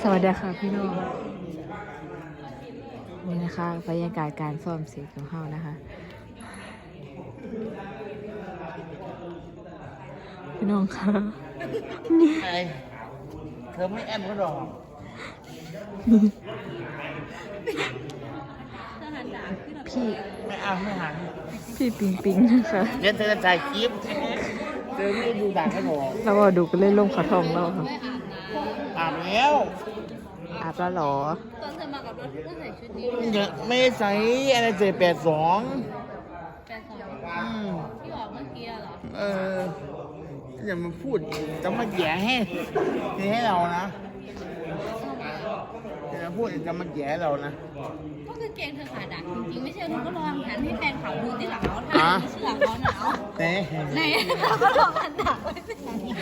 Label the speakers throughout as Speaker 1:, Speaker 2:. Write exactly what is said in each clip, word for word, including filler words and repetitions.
Speaker 1: สวัสดีค่ะพี่น้องนี่นะคะบรรยากาศการซ้อมเสียงของเฮานะคะพี่น้องค่ะ
Speaker 2: ไอเธอไม่แอมก็หรอก
Speaker 1: พี่
Speaker 2: ไม่เอาไม่หัน
Speaker 1: พี่ปิงปิงนะคะ
Speaker 2: เดี๋ยวเธอจะถ่ายคลิปเธอไม่ได้ดูด่างให้หรอก
Speaker 1: แล้วก็ดูกันเล่นลมขาทองเราค่ะ
Speaker 2: อาบแล้ว
Speaker 1: อาบแล้วหรอ
Speaker 3: ตอนเธอมากับรถก็ใส่ชุดนี้
Speaker 2: เดี๋ยวไม่ได้ใส่อะไรใส่แปดสอง
Speaker 3: แฟนสาว
Speaker 2: อืม
Speaker 3: ที่บอกเมื่อกี้เหรอ
Speaker 2: เอออย่ามาพูดจะมาแย่ให้ให้เรานะอย่ามาพูดจะมาแย่เรานะ
Speaker 3: ก็คือเกงเธอขาดักจริงๆไม่ใช่เธอก็ลองหันให้แฟนเขาดูที่หลังเขาถ่ายเสื้อเขาหนาว
Speaker 2: เน่
Speaker 3: ไหนเราก็ลองหันดักไว้สิ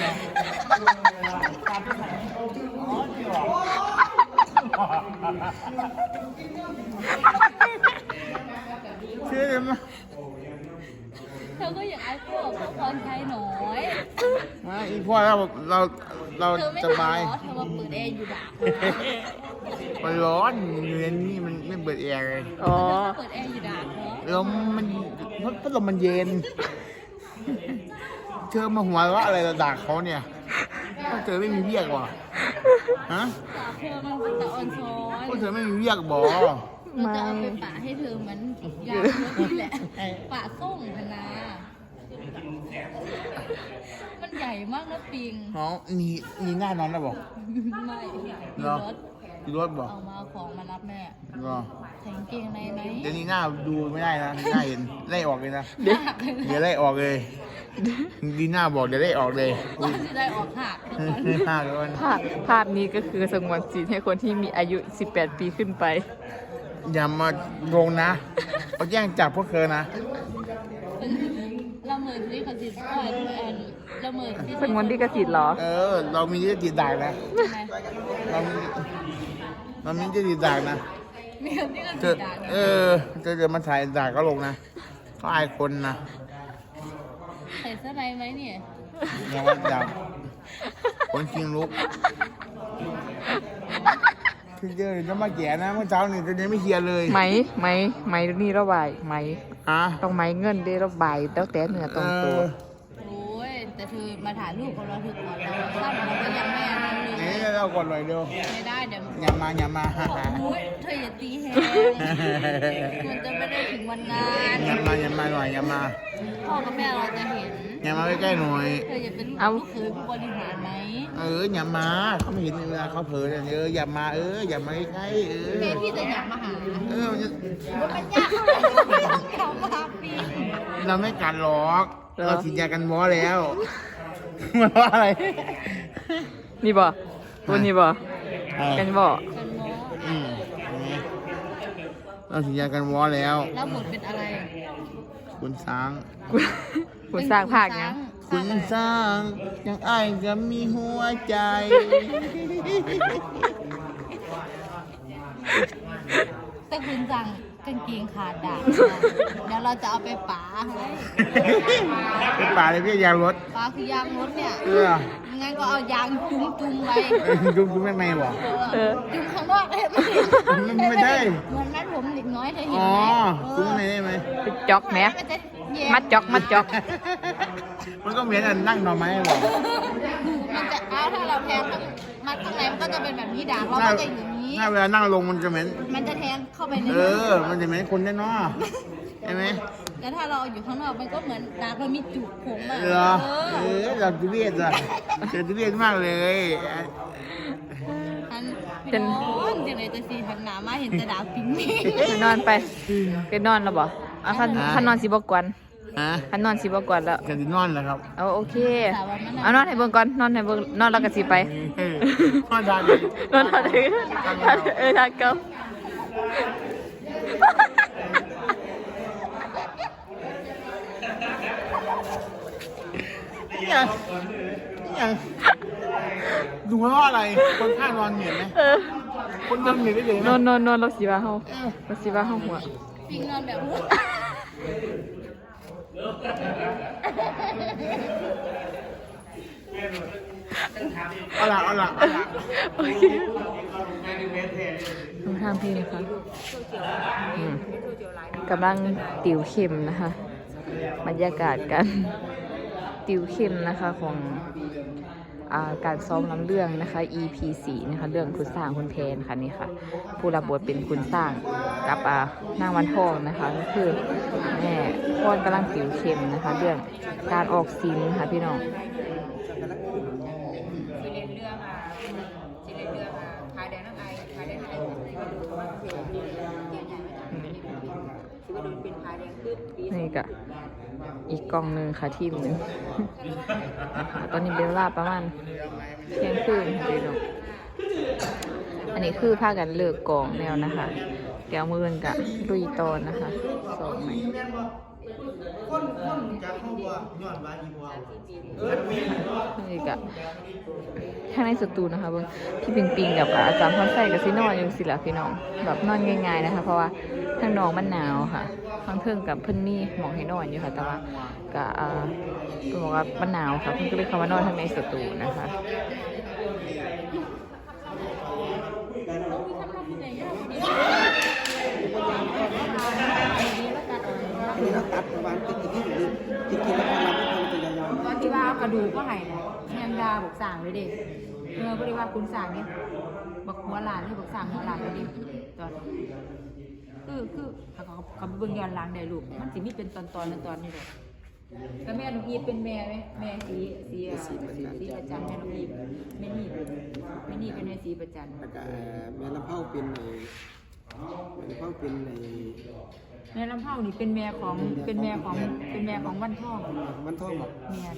Speaker 2: เชื่อไหม
Speaker 3: เธอก็อยากไอ้พวกพรชัยหน่อย
Speaker 2: มาอีพ่อเราเราเราสบาย
Speaker 3: เธอมาเปิดแอร์อยู่ดัก
Speaker 2: มันร้อนอยู่ในนี้มันไม่เปิดแอร์เลย
Speaker 1: อ๋อ
Speaker 3: เปิดแอร์อยู่ดักเหรอ
Speaker 2: ลมมันพัดลมมันเย็นเธอมาหัวเราะอะไรระดับเขาเนี่ยพวกเธอไม่มีเวียกว่ะฮะ
Speaker 3: เธอมันเป็นตะออนช้อน
Speaker 2: พวกเธอไม่มีเวียกบ่
Speaker 3: เราจะเอาไปป่าให้เธอเหมือนยางรถนี่แหละป่าส่งพนามันใหญ่มากนะปิง
Speaker 2: อ๋อมีมีหน้านอนแล้วบอก
Speaker 3: ไม่มีรถ
Speaker 2: มีรถบอก
Speaker 3: เอามาของมารับแม่
Speaker 2: ก็
Speaker 3: ใส่กางเกงในไหม
Speaker 2: เดี๋ยวนี้หน้าดูไม่ได้นะหน้าเห็นไล่ออกเลยนะเดี๋ยวไล่ออกเลยดีหน้าบอกเดี๋ยวไล่ออกเลย
Speaker 3: จะได้ออกหัก
Speaker 2: หักเลย
Speaker 1: ภาพภาพนี้ก็คือสงวนสิทธิ์ให้คนที่มีอายุสิบแปดปีขึ้นไป
Speaker 2: อย่ามาลงนะเขาแย่งจับพวกเธอนะ
Speaker 3: ละเมิดลิขสิทธิ์ก่อนละเมิด
Speaker 1: สงวนลิขสิทธิ์เหรอ
Speaker 2: เออเรามีลิขสิทธิ์ได้นะเรามีเรามีลิขสิทธิ์ได้นะ
Speaker 3: มีลิขสิทธิ์ได้
Speaker 2: เออเธอจะมาถ่ายด่าก็ลงนะก็อายคนนะ
Speaker 3: ใส่เสื้อในไหมเนี่ย
Speaker 2: ยังว่าจับคนจริงลุกคือเจอจะมาแก่นะเมื่อเช้านี่จะยังไม่เคลียร์เลย
Speaker 1: ไหมไหมไหมนี่ระบายไหม
Speaker 2: อ่ะ
Speaker 1: ต้องไหมเงินได้ระบายตั้งแต่เหนือตรงตัว
Speaker 3: โอ้ยแต่เธอมาถ่ายรูปของเราเธอก่อนเราซ้ำเราก็ยังไม่นั่นเลย
Speaker 2: นี่เรากดหน่อยเดียว
Speaker 3: ไม่ได้เดี๋ยว
Speaker 2: อย่ามาอย่ามาฮ่าฮ่า
Speaker 3: โอ้ยเธออย่าตีแฮงมันจะไม่ได้ถึงวันงาน
Speaker 2: อย่ามาอย่ามาหน่อยอย่ามา
Speaker 3: พ่อกับแม่เราจะเห็น
Speaker 2: อย่ามาใกล้ๆหน่อย
Speaker 3: เธออย่าเป็นลูกเขยผู้บริหารไหม
Speaker 2: เอออย่ามาเขาไม่เห็นเวลาเขาเผลอเนี่ยเอออย่ามาเอออย่ามาใกล้ๆเออ
Speaker 3: แม่พี่จะอยากมาหา
Speaker 2: เออมันจะ
Speaker 3: มันยากเท่าไหร่ก็ไม่ต้องเข้ามาปี
Speaker 2: เราไม่กัดหรอกเราฉีดยากันหมอแล้วมันว่าอะไร
Speaker 1: นี่บ่ตัวนี้บ่กันบ่
Speaker 2: อืมเราฉีดยากันหมอแล้ว
Speaker 3: แล้วหมดเป็นอะไร
Speaker 2: คุณช้าง
Speaker 1: คุณสร้างภาคเนี้ย
Speaker 2: คุณสร้างยังไอ้จะมีหัวใจ
Speaker 3: แต่คุณสั่งกางเกงขาดด่างเดี๋ยวเราจะเอาไปป๋าให้
Speaker 2: ไปป๋าเลยพี่ยางรถ
Speaker 3: ป๋าคือยางรถเนี่ย
Speaker 2: เออ
Speaker 3: งั้นก็เอายางจุ้มจุ้มไว้
Speaker 2: จุ้มจุ้มไม่ไม่บอก
Speaker 3: จุ้มข้างนอกได้ไหม
Speaker 2: ไม่ได้
Speaker 3: เหมือนนั้นผมเด็กน้อยเธอเห็น
Speaker 2: ไหมอ๋อจุ้ม
Speaker 3: ไ
Speaker 2: มได้ไหม
Speaker 1: จอกแม่มัดจอกมัดจอก
Speaker 2: มันก็เหมือนนั่งนอนไม้บอก
Speaker 3: มันจะเอาถ้าเราแทงมัดข้างในมันก็จะเป็นแบบนี้ด่างเราก็จะอยู่นี้
Speaker 2: ถ้าเวลานั่งลงมันจะเหม็น
Speaker 3: มันจะแทงเข้าไปใน
Speaker 2: เออมันจะเหม็นคนแน่นอนใช่ไหม
Speaker 3: แต่ถ้าเราอยู่ข้างนอกมันก็เหมือนด่างเรามีจุกผมอ่ะ
Speaker 2: เหรอเออเราจะเวียดอ่ะจะเวียดมากเลย
Speaker 3: อันเป็นนอนจังเลยจะสีหันหนามาเห็นแต่ด่างปิ้งนี่
Speaker 1: นอนไปไปนอนแล้วบ่อ่ะคันคันนอนสิบ่กวนคันนอนสิบ่กวนแล้ว
Speaker 2: กันนอนแล้วครับ
Speaker 1: เอาโอเคเอานอนให้เบิ่งก่อนนอนให้เบิ่งนอนแล้วก็สิไป
Speaker 2: นอนได้
Speaker 1: นอนได้เออทางเก่า
Speaker 2: เนี่ยเนี่ยดูว่าอะไรคนข้างนอนเหนื่อยไหมคนนอนเหนื่อยได้เลย
Speaker 1: นอนนอนนอนเราสิว่าเฮาเราสิว่าเฮาหัว
Speaker 3: ปิงนอนแบบ
Speaker 2: เอาละเอาละเอาละ
Speaker 1: โอเคดูทางพี่นะคะอืมกำลังติวเข้มนะคะบรรยากาศกันติวเข้มนะคะของอ่าการซ้อมลำเรื่องนะคะ อี พี สี่ นะคะเรื่องคุณสร้างคุณแพนค่ะนี่ค่ะผู้รับบทเป็นคุณสร้างกับอ่านางวันทองนะคะก็คือแม่พ่อนกำลังติวเข้มนะคะเรื่องการออกซินค่ะพี่น้องสิเล่นเรื่องอ่ะสิเล่นเรื่องอ่ะพาแดนน้ำไอพาแดนไอที่ว่าดูว่าเสียเกี่ยวใหญ่มาจากนี่คือว่าโดนเป็นพาแดงขึ้นนี่ก็อีกกล่องหนึ่งค่ะทีมหนึ่งตอนนี้เป็นเวลาประมาณเที่ยงคืนค่ะพี่น้องอันนี้คือพากันเลิกกองแล้วนะคะเดี๋ยวมือเงินกับลุยตอนนะคะสองใหม่นี่กะข้างในสตูนะคะเบิ่งพี่ปิงปิงกับอาจารย์พรใส่กับซีนอนอยู่สิละพี่น้องแบบนอนง่ายๆนะคะเพราะว่าข้างนอกมันหนาวค่ะข้างเทิงกับเพิ่นมีหมองให้นอนอยู่ค่ะแต่ว่าก็อ่าเพิ่นบอกว่ามันหนาวค่ะเพิ่นก็เลยเข้ามานอนข้างในสตูนะคะ
Speaker 4: นี่เราตัดประมาณติดติดที่อยู่ติดติดแล้วเราไม่ทำเป็นยาว
Speaker 5: ตอนที่ว่ากระดูกก็หายเนี่ยยังดาบอกสั่งเลยเด็กเมื่อพอดีว่าคุณสั่งเนี่ยบอกหัวหลานเลยบอกสั่งหัวหลานเลยดิตอนคือคือเขาเขาเบิ่งย้อนหลังได้ลูกมันสิมีเป็นตอนตอนตอนนี่เลยก็แม่น้องอีเป็นแม่ไหมแม่สีสีสีประจันแม่น้องอีแม่นี่แม่นี่เป็นแม่สีประจัน
Speaker 4: ๆแล้วก็แม่ลำเผาเป็นในแม่ลำเผาเป็นใน
Speaker 5: แม่ลำเผานี่เป็นแม่ของเป็นแม่ของเป็นแม่ของวันทอง
Speaker 4: มันท่องหมด
Speaker 5: แม่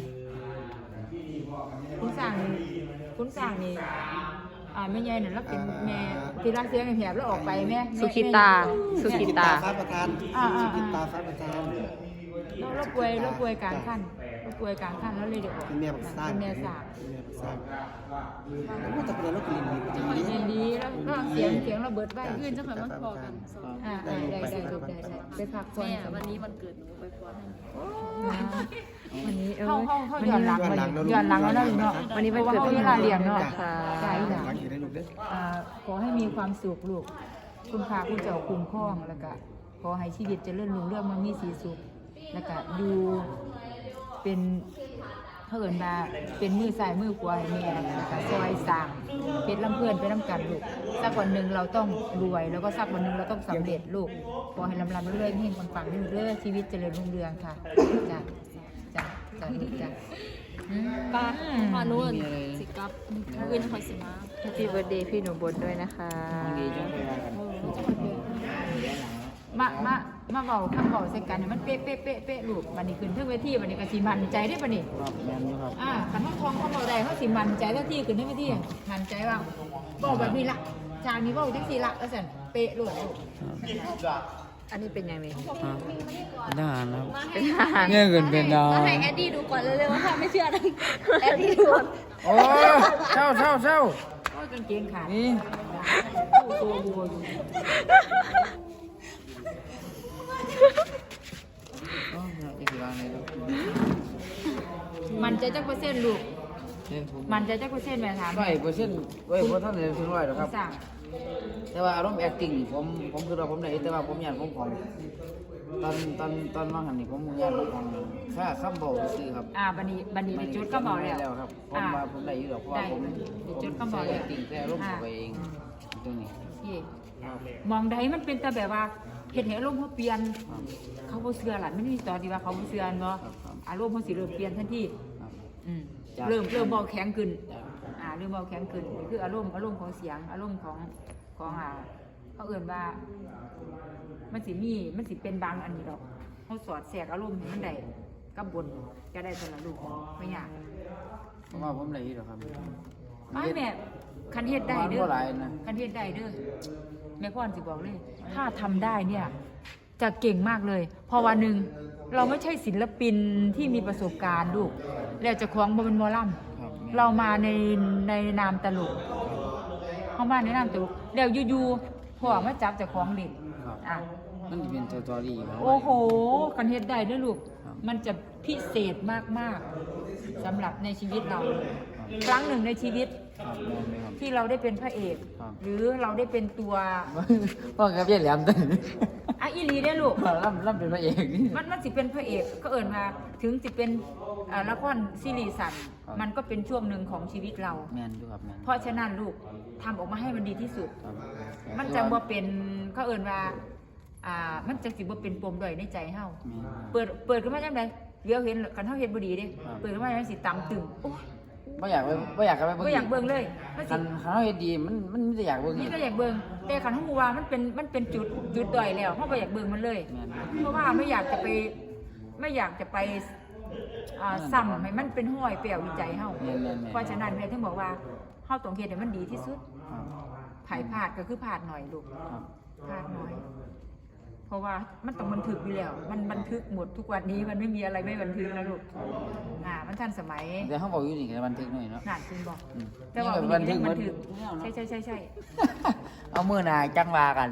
Speaker 5: คุณสั่งคุณสั่งนี่อ่าแม่ใหญ่เนี่ยแล้วเป็นแม่ที่รักเสียงแหบแล้วออกไปแม่
Speaker 1: สุขิตาสุขิตา
Speaker 4: ฟ้าประธานสุกิตาฟ้าประธาน
Speaker 5: แล้วเราป่วยเราป่วยกลางขั้นเราป่วยกลางขั้นแล้วเลยเดี๋ยว
Speaker 4: เป็นแม่บักซ่า
Speaker 5: เป็นแม่สาก
Speaker 4: เป็นแม่บักซ่าแล้วก็จะเป็นรถกลิ่นดีจะมี
Speaker 5: เรียนดีแล้วก็เสียงเสียงเราเบิดไป
Speaker 3: ยื่นจะค่อยมาพอกันสอง
Speaker 5: อ่าได้ได้ได้ได้ได้ไปพักผ่อน
Speaker 3: แม่วันนี้วันเกิดหนูไปพรให้
Speaker 1: วันนี้เออ
Speaker 5: เข้าเข้าเข้าย้อนหลังมาย้อนหลังแล้วนะลูกเนาะ
Speaker 1: วันนี้วันเกิด
Speaker 5: พราะว่าเวลาเรียนเนาะ
Speaker 1: ค่ะ
Speaker 5: ใช่ค่ะ
Speaker 4: หลังอยู่ในลูกเด้อ
Speaker 5: อ่าขอให้มีความสุขลูกคุณพาคุณเจ้าคุ้มครองแล้วก็ขอให้ชีวิตเจริญรุ่งเรื่องมันมีสีสุขแล้วก็อยู่เป็นเพิ่นมาเป็นมือซ้ายมือขวาให้แม่แล้วก็ซอยสร้างเพชรลำเพื่อนไปน้ำกันลูกสักวันหนึ่งเราต้องรวยแล้วก็สักวันหนึ่งเราต้องสำเร็จลูกขอให้ลำลำเรื่อยๆเฮงปังๆเรื่อยๆชีวิตเจริญรุ่งเรืองค่ะจ้ะจ้ะจ้ะลูกจ้ะ
Speaker 3: ป้าพอนู้นสิกับอื่นคอยสิมา
Speaker 1: แฮปปี้เบิร์ดเดย์พี่หนูบนด้วยนะคะ
Speaker 5: มามามาเบาคำเบาใส่กันให้มันเป๊ะเป๊ะเป๊ะเป๊ะลูกบันนี้ขึ้นเทิงเวทีบันนี้ก็สิมันใจได้บันนี้
Speaker 4: ครับแม่นี่ครับ
Speaker 5: อ่าขันห้องทองเขาเบาได้เขาสิมันใจเท่าที่ขึ้นได้เวทีมันใจว่าเบาแบบนี้ละจางนี้เบาจังสี่ละแล้วสันเป๊ะลูก
Speaker 1: อันนี้เป็นยังไง
Speaker 4: เป็นทหารครับ
Speaker 1: เป็นทหาร
Speaker 4: เนี่ยเกินเป็นดาว
Speaker 3: มาให้แอดดี้ดูก่อนเร็วๆถ้าไม่เชื่อนะแอดดี้ดูก่อน
Speaker 4: โอ้เช่าเช่าเช่า
Speaker 5: โอ้ยกางเกงขาด
Speaker 4: นี่
Speaker 5: ตัวบัวอยู่
Speaker 4: อ๋ออีกวางเลยลูก
Speaker 5: มันใจจักเปอร์เซ็นต์ลูก
Speaker 4: เนี่ยผม
Speaker 5: มันใจจักเปอร์เซ็นต์แม่ถาม
Speaker 4: ร้อยเปอร์เซ็นต์ร้อยเปอร์เซ็นต์เลยถึงร้อยหรอกครับ
Speaker 5: สั่ง
Speaker 4: แต่ว่าอารมณ์ acting นี่ผมผมคือว่าผมได้แต่ว่าผมอยากผมของตอนตอนตอนว่างหันนี่ผมอยากผมของค่าคำบอกซื้อครับ
Speaker 5: อ่าบันนี้บันนี้ได้จุดก็เบาแล้ว
Speaker 4: แล้วครับผมว่าผมได้อยู่หรอกเพราะว่าผม
Speaker 5: ได้จุดก็
Speaker 4: ผม
Speaker 5: เบา
Speaker 4: ใส่
Speaker 5: แล้ว
Speaker 4: acting แต่อารมณ์เข้าไปเองตรงนี้
Speaker 5: เย่
Speaker 4: ครับ
Speaker 5: มองใดมันเป็นแต่แบบว่าเห็นให้อารมณ์เขาเปลี่ยน เขาบ่เชื่อหล่ะไม่มีตอนที่ว่าเขาบ่เชื่อเนาะอารมณ์เขาสิเริ่มเปลี่ยนทันที
Speaker 4: ครับ
Speaker 5: อืม
Speaker 4: จ้ะ
Speaker 5: เริ่มเริ่มเบาแข็งขึ้น
Speaker 4: จ้ะ
Speaker 5: อ่าเริ่มเบาแข็งขึ้นนี่คืออารมณ์อารมณ์ของเสียง อารมณ์ของของอ่าเขาเอื่นว่า มันสิมีมันสิเป็นบางอันนี้ดอกเขาสอดแทรกอารมณ์ให้มันได้กับบนก็ได้สำหรับลูกไม่ยาก
Speaker 4: ผมว่าผมได้อยู่หรอกครับ
Speaker 5: ไม่แม่คันเฮ็ดได้เด้
Speaker 4: บ่
Speaker 5: อ
Speaker 4: หลายนะ
Speaker 5: คันเฮ็ดได้เด้อแม่พ่อนสิบอกเลย ถ้าทำได้เนี่ย จะเก่งมากเลยเพอวันหนึ่งเราไม่ใช่ศิลปินที่มีประสบการณ์ลูกแล้วเจะคล้าของบ่เป็นหมอล
Speaker 4: ครับ
Speaker 5: ำเรามาในในนามตลกเข้ามาในนามตลกแล้วอยู่ๆพ่อมาจับเจะคล้าของเล่น
Speaker 4: ครับ
Speaker 5: อ่ะ
Speaker 4: มันจะเป็นสตอรี่ครับ
Speaker 5: โอ้โหคันเฮ็ดได้เด้วยลูก
Speaker 4: ครับ
Speaker 5: มันจะพิเศษมากๆสำหรับในชีวิตเรา ครั้งหนึ่งในชีวิต
Speaker 4: ครับแม่นไหมครับ
Speaker 5: ที่เราได้เป็นพระเอก
Speaker 4: ครับ
Speaker 5: หรือเราได้เป็นตัว
Speaker 4: พ่อครับเยี่ยแหลมตึ้ง
Speaker 5: อ่ะอีหลีได้อลูก
Speaker 4: ล่ำล่ำเป็นพระเอกนี่
Speaker 5: มันมันสิเป็นพระเอกก็เอิญมาถึงสิเป็นอ่าละครซีรีส์สัน
Speaker 4: ครับ
Speaker 5: มันก็เป็นช่วงหนึ่งของชีวิตเรา
Speaker 4: แมนดูครับแมน
Speaker 5: เพราะฉะนั้นลูกทำออกมาให้มันดีที่สุด
Speaker 4: ครับ
Speaker 5: มันจะบ่เป็นก็เอิญว่าอ่ามันจะสิบ่เป็นปมด้อยในใจเฮา
Speaker 4: แม่น
Speaker 5: เปิดเปิดขึ้นมาจังไดเดี๋ยวเห็นกันเฮาเฮ็ดบ่ดีเด้
Speaker 4: ครับ
Speaker 5: เปิดขึ้นมาจังสิตำตึงโอ้ย
Speaker 4: ไม่อยากไปไม่อยากกันไป
Speaker 5: บ่อยากเบิ่งเลยมันสิ
Speaker 4: คันคันเขาเฮ็ดดีมันมันไม่ได้อยากเบิ่ง
Speaker 5: นี่ก็อยากเบิ่งแต่คันเฮาฮู้ว่ามันเป็นมันเป็นจุดจุดด้อยแล้วเฮาบ่อยากเบิ่งมันเลย
Speaker 4: แม่น
Speaker 5: เพราะว่าไม่อยากจะไปไม่อยากจะไปอ่าซ้ำให้มันเป็นห้อยเปรี่ยววิจัยเฮา
Speaker 4: แม่นแม่นแม่น
Speaker 5: เพราะฉะนั้นแม่ถึงบอกว่าเฮาต้องเฮ็ดให้มันดีที่สุด
Speaker 4: ครับ
Speaker 5: ไผพลาดก็คือพลาดหน่อยลูก
Speaker 4: ครับ
Speaker 5: พลาดน้อย เพราะว่ามันต้องบันทึกอยู่แล้ว มันบันทึกหมดทุกวันนี้มันไม่มีอะไรไม่บันทึกนะลูกอ่ามันทันสมัย
Speaker 4: แต่เขาบอกอยู่นี่ก็บันทึกหน่อยเนาะ
Speaker 5: นานคุณบอก
Speaker 4: อืม
Speaker 5: แต่ว่า
Speaker 4: นี่ก็บันทึก
Speaker 5: บั
Speaker 4: มัน
Speaker 5: นทึกใช่ใช่ใช่ใช่
Speaker 4: เอามือหนาจังวากัน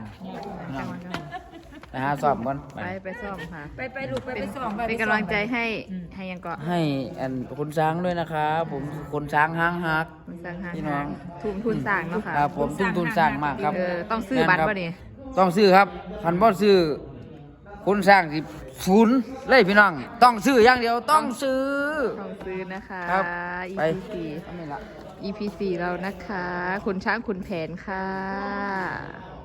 Speaker 4: นะฮะสอบก่อน
Speaker 1: ไปไปซ่อมค่ะ
Speaker 5: ไปไปลูกไปไปส่องไป
Speaker 1: เป็น
Speaker 5: ไปส่อง
Speaker 1: กำลังใจให้
Speaker 5: อืม
Speaker 1: ให้ยังเกาะ
Speaker 4: ให้อันคนช้างด้วยนะครับผมคนช้างห้างฮัก
Speaker 1: คุณสร้างหา
Speaker 4: พี่น้อง
Speaker 1: ทุนทุนสร้างเนาะค่ะ
Speaker 4: ครับผมทุ่มทุนสร้างมากครับ
Speaker 1: เออต้องซื้อบัตรป่ะนี่
Speaker 4: ต้องซื้อครับคันบ่ซื้อคนสร้างสิศูนย์เลยพี่น้อง ต้องซื้ออย่างเดียวต้องซื้อ
Speaker 1: ต้องซื้อนะคะ
Speaker 4: ครับ
Speaker 1: อี
Speaker 4: ไป
Speaker 1: พีสี่
Speaker 4: อันนี้ละ
Speaker 1: อีพีสี่เรานะคะ คุณช้างคุณแผนค่ะ